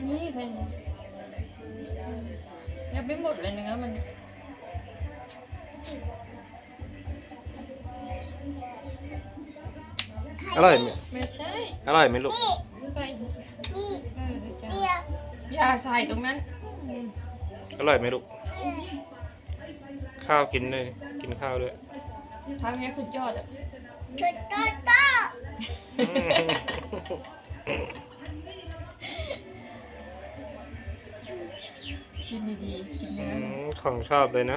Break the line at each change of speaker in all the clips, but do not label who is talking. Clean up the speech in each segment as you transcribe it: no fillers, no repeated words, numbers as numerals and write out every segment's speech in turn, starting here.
นี่ใส่ยังไม่หมดเลยเนื้อมัน
อร่อยไหม
ไม่ใช่
อร่อยไหมลูก
ใส่
นี่
จ้า
เดียว
อย่าใส่ตรงนั้น
อร่อยไหมลูกข้าวกินด้วยกินข้าวด้วย
ทำเนี้ยสุดยอดอ่ะ
ชุดโตโต
กินดีๆกินเนื้อ
ของชอบเลยนะ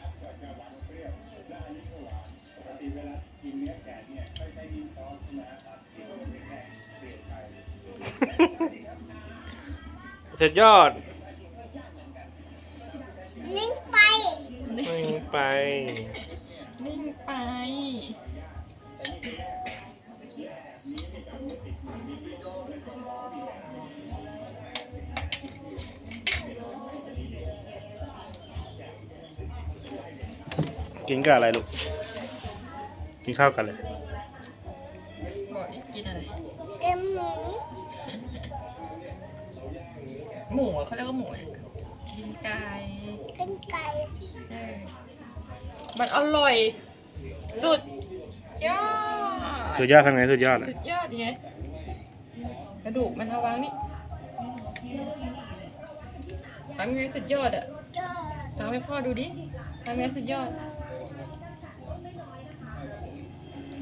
สุดยอด
ลิงไป
ไม่ไป
นิ่งไป
กินกับอะไรลูกกินข้าวกันเลย
บอกดิกินอะไร
เอ็มหมู
หมูอะเขาเรียกว่าหมูเนี่ยกินไก่
เป็นไก่
เออมันอร่อย สุดยอด
สุดยอดทำไงสุดยอดอ่ะ
สุดยอดไงกระดูกมันเอาวางนี่ทำไงสุดยอดอ่ะ
ยอด
ทำให้พ่อดูดิทำไงสุดยอด